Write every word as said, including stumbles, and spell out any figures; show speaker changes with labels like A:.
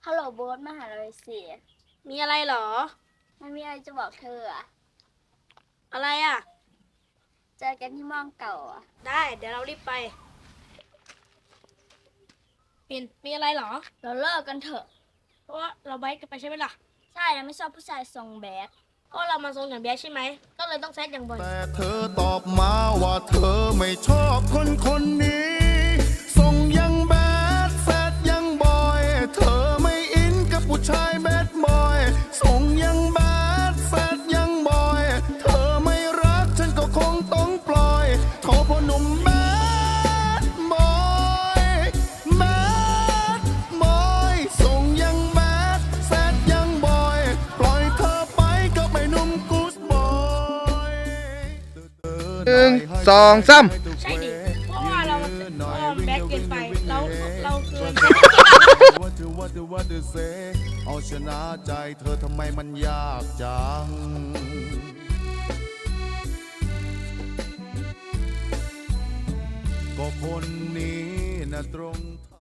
A: ฮัลโหลโบ๊ทมาหาเราสิ
B: มีอะไรเหรอ
A: มันมีอะไรจะบอกเธออะ
B: อะไรอ่ะ
A: เจอกันที่มองเก่าอะ
B: ได้เดี๋ยวเรารีบไปปิ่นมีอะไรเหรอ
A: เราเลิกกันเถอะ
B: เพราะว่าเราไบค์กันไปใช่ไหมล่ะ
A: ใช่เราไม่ชอบผู้ชายทรงแบด
B: ก็เรามาทรงอย่างแบดใช่ไหมก็เลยต้องแซดอย่างบ่อย
C: แต่เธอตอบมาว่าเธอไม่ชอบคนคนนี้ทรงยังแบดแซดยังบอยเธอไม่อินกับผู้ชายแบดบอยทรงยังแบดแซดยังบอยเธอไม่รักฉันก็คงต้องปล่อยขอพ่อหนุ่มแบดบอยแบดบอยทรงยังแบดแซดยังบอยปล่อยเธอไปกับไอ้หนุ่มกู๊ดบอย
D: หนึ่งสองสาม
B: ใช่ดิเพราะว่าเราเราแบดเกินไปเราเราเกิน
C: ว่าเธอว่าเธอว่าเธอเซเอาชนะใจเธอทำไมมันยากจังก็คนนี้นะตรง